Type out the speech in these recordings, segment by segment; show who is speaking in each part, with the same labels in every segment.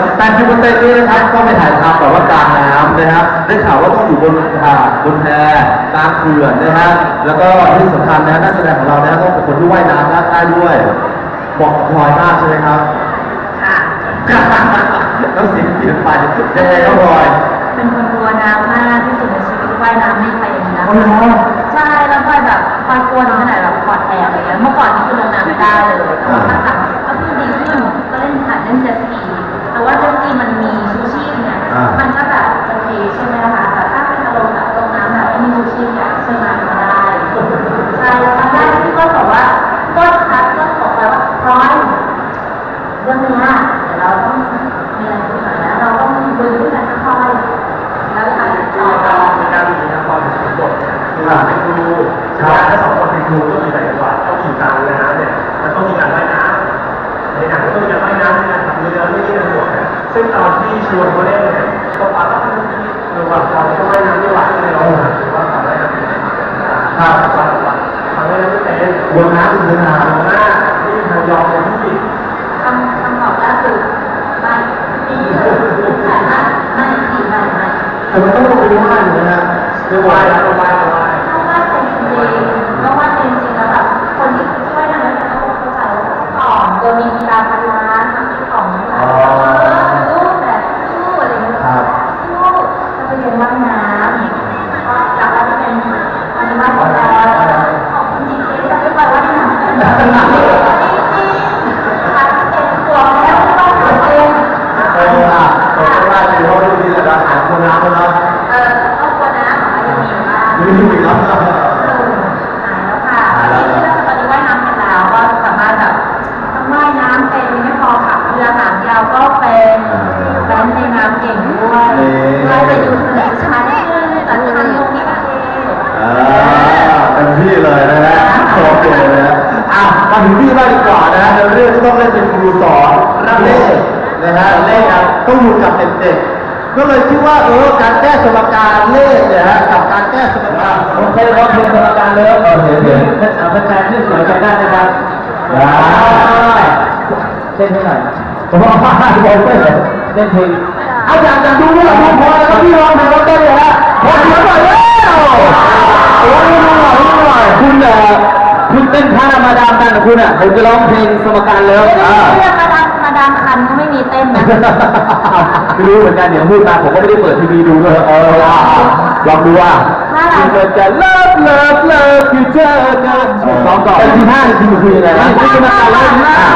Speaker 1: 80%นี้นะครับก็ไปถ่ายทำแบบว่ากลางน้ำนะฮะได้ข่าวว่าต้องอยู่บนหาดบนแพกลางเขื่อนนะฮะแล้วก็ที่สำคัญนะนักแสดงของเรานะต้องเป็นคนที่ว่ายน้ำได้ด้วยบอกพลอยมากใช่ไหมครับ
Speaker 2: ค่ะ
Speaker 1: ต้องเสียงเปลี่ยนไปยังไงครับพลอย
Speaker 2: เป็นคนกลัวน้ำมากที่สุดในชีวิตว่ายน้ำไม่เป็นนะใช่แล้วพลอยแบบพลอยกลัวขนาดแบบปอดแตกอะไรเงี้ยเมื่อก่อนนี่คือลงน้ำไม่ได้เลยแต่ว่าหลังๆก็คือดีขึ้นก็เล่นหัดเล่นเจ็ตสกีแต่ว่าเจ็ตสกีมันมีชูชีพเนี่ยมันก็แบบโอเคใช่ไหมคะแต่ถ้าเป็นอารมณ์แบบลงน้ำแบบไม่มีชูชีพเนี่ยช่วยมาไม่ได้ใช่แล้วครั้งแรกที่ก็บอกว่าก็คัดก็บอกแล้วว่าพร้อยเรื่องนี้เดี๋ยวเราต้องมีอะไรขึ้นมาแล้วเราต้องดึงขึ้นมาค่อยๆแล้วทำต่อ
Speaker 3: ในการมีละครเป็นบทคือเป็นครูใช่ถ้าสองคนเป็นครูก็มีแต่จังหวะต้องอยู่กลางน้ำเนี่ยมันต้องมีการว่ายน้ำในหนังก็ต้องมีการว่ายน้ำในการทำเรือไม่ได้ในบทซึ่งตอนที่ชวนเขาเล่นเนี่ยก็ปาก็ระหว่างเราก็ว่ายน้ำไม่ไหวเลยเราหรือว่าทำว่ายน้ำครับทำว่ายน้ำไม่เป็นบนน้ำบนน้ำหน้าที่เรายอมเป็นผู้ผิด
Speaker 2: คำตอบล่าสุดไม่ดีแต่ไม่ดีไม่
Speaker 1: แต่มันต้องลงไปว่ายอยู่นะ
Speaker 3: ไม่ไหวแล้วไม่ไหวไม่ไหว
Speaker 2: ต้องว่าเป็นจริงต้องว่าเป็นจริงแล้วแบบคนที่ช่วยทำให้เขาเข้าใจว่าก่อนโดยมีกีฬาพันล้านทำที่ของสู้แบบสู้อะไรเงี้ยสู้จะไปเรียนว่ายน้ำก็จากนั้นจะเป็นอันนี้ว่าของเราของจริงๆจะไม่ไปว่ายน้ำจริงๆเป็นตัวแล้วต้องทำเอง
Speaker 1: เราได้ดูเขาดูดีเลยนะคนน้ำคนน้ำ
Speaker 2: ต้องคนน้ำยังมีบ้าง
Speaker 1: มีอีกแล้ว
Speaker 2: หายแล้วค่ะตอนนี้ว่ายน้ำเป็นแล้วก็สามารถแบบทั้งว่ายน้ำเป็นไม่พอขับเรือหางยาวก็เป็นแว้นในน้ำเก่งด้วยได้ไปดูทะเลชั้นขึ้นจากทางลงนี่ก็เอง
Speaker 1: เต็มที่เลยนะฮะโอเคเลยนะมาถึงพี่บ้างดีกว่านะฮะในเรื่องที่ต้องเล่นเป็นครูสอนเล่นะฮะเล่ครับต้องอยู่กับเด็กๆก็เลยคิดว่าการแก้สมการเลขเนี่ยฮะกับการแก้สมการ
Speaker 4: ผมเคยร้องเพลงสมการเลยเห็นเป็นแฟนที่สวยใจได้นะครับเต้นให้หน่อยผมว่าผมเต้นเต้นเพลง
Speaker 1: อาจารย์จะดูด้วยดูพอแล้วพี่ร้องเพลงเต้นเลยฮะพอเสียงหน่อยแล้วโอ้ยดูหน่อย
Speaker 4: คุณเต้นท่ามาดามกันคุณอ่ะผมจะร้องเพลงสมการเลย
Speaker 2: เรื่องมาดามคันก็ไม่มีเต้นนะ
Speaker 4: ไม่รู้เหมือนกันเดี๋ยวพูดมาผมก็ไม่ได้เปิดทีวีดูด้วยลองดูว่าคุณจะเลิฟคือเจอกันสองก่อนที่ห้าคือคุยอะไรนะที่สมการแล้ว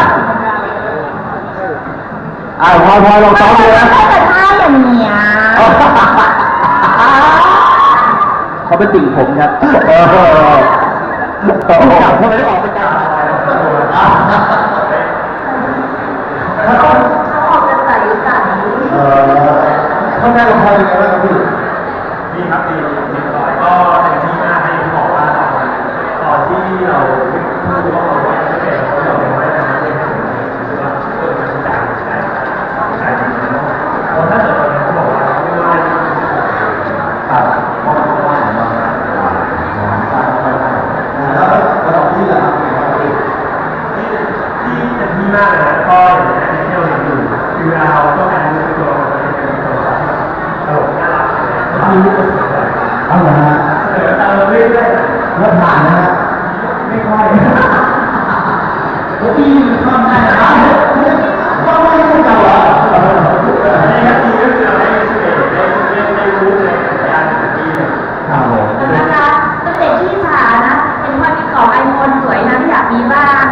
Speaker 4: พอลองซ้อมดูนะ
Speaker 2: แต่ท่าอย่างเนี้ย
Speaker 4: เขาเป็นติ่งผมครับ
Speaker 1: ทำไมได้ออกเป็นการ
Speaker 2: เขาออกจะใส
Speaker 1: ข้างหน้าเราพอยังไงบ้างครับพี่
Speaker 3: ดีครับดีต่อยก็เต็มที่มากให้บอกว่าตอนที่เราพูดว่าเราไม่เป็นเราเป็นไม่ได้ไม่ได้ว่ามันจะใช่เพราะถ้าเกิดเราเขาบอกว่าไม่ว่า
Speaker 1: ครับเพราะมันว่าแล้วเราต้องที่ละ
Speaker 3: ที่เต็มที่มากเลยนะก็อย่างที่เราอยู่คือเราก็การรู้ตัวเป็นตัวตลกน่ารักมีลูกกระสุนเลย
Speaker 1: เอาเหรอฮะ
Speaker 3: ตามเราเรื่อย
Speaker 1: ๆแล้วผ่านนะฮะ
Speaker 3: ไม่ค่อย
Speaker 1: แล้วพี่ข้ามได้นะก็ไม่ได้เก่าอ่ะ
Speaker 3: ในคดีก็คือให้ได้รู้ในการคดี
Speaker 1: ครับผม
Speaker 2: นะคะเป็นเด็กที่สานะเป็นคนที่ก่อไอโฟนสวยนะที่อยากมีบ้าง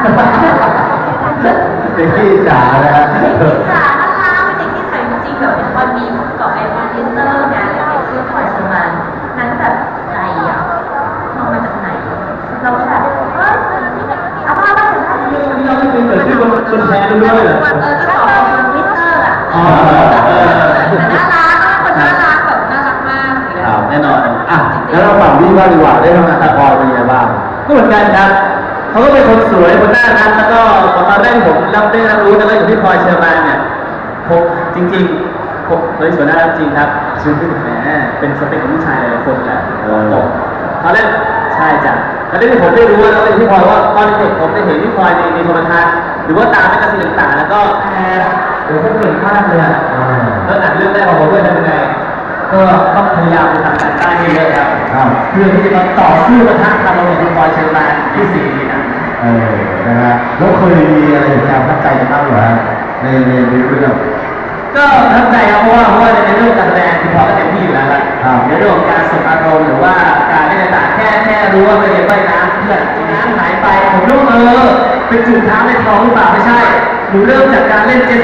Speaker 1: เป็นที่จ๋านะฮะ
Speaker 2: เด็กที่สานะคะเป็นเด็กที่สวยจริงๆแบบเป็นคนมีก่อไอโฟนพิมพ์เตอร์นะแล้วเด็กชื่อพลอยเชอร์มานนั้นแบบไหนอ่ะมองมาจากไหนเราก็แบบเอาภาพมาจากไหน
Speaker 4: เราไม่เป็นแบบที่คนแชร์ด้วยเหรอ
Speaker 2: ก็ต่อไอโฟนพิมพ์เตอร์อ่ะน่ารักคนน่ารักแบบน่ารักมาก
Speaker 4: แน่นอน
Speaker 1: แล้วเราฝั่งพี่บ้างดีกว่าได้ทำงานตัดออกเป็นยังไงบ้าง
Speaker 4: ก็เหมือนกันครับเขาก็เป็นคนสวยคนน่ารักแล้วก็ตอนแรกผมรับรู้นะว่าอยู่ที่พลอยเชอร์มานเนี่ยผมจริงๆผมเลยสวยน่ารักจริงครับชื่อพี่แหมเป็นสเปคของผู้ชายหลายคนแหละตอนแรกใช่จ้ะตอนแรกที่ผมได้รู้แล้วที่พลอยว่าตอนเด็กผมได้เห็นที่พลอยในโทรทัศน์หรือว่าตามแมกกาซีนต่างๆแล้วก็
Speaker 1: เดี๋ยวเขาเก่งมากเลยอ่ะ
Speaker 4: ก็ต้องพยายามไปทำการบ้านเยอะๆครับ
Speaker 1: ครับ
Speaker 4: เพื่อที่จะมาต่อสู้กับทางเราอย่างคุณบอยเชอร์แมนที่สี่นี้นะ
Speaker 1: นะฮะแล้วเคยมีอะไรอย่างเงี้ยประทับใจกันบ้างเหรอฮะในเรื่อง
Speaker 4: ก็ประทับใจครับเพราะว่าในเรื่องการแสดงคุณพอก็เต็มที่อยู่แล้วครับ
Speaker 1: ครับ
Speaker 4: ในเรื่องของการส่งอารมณ์หรือว่าการเล่นต่างๆแค่รู้ว่าไปเรียนว่ายน้ำเพื่อนน้ำหายไปผมรู้เป็นจุดเท้าในท้องหรือเปล่าไม่ใช่หนูเริ่มจากการเล่นเจ็ต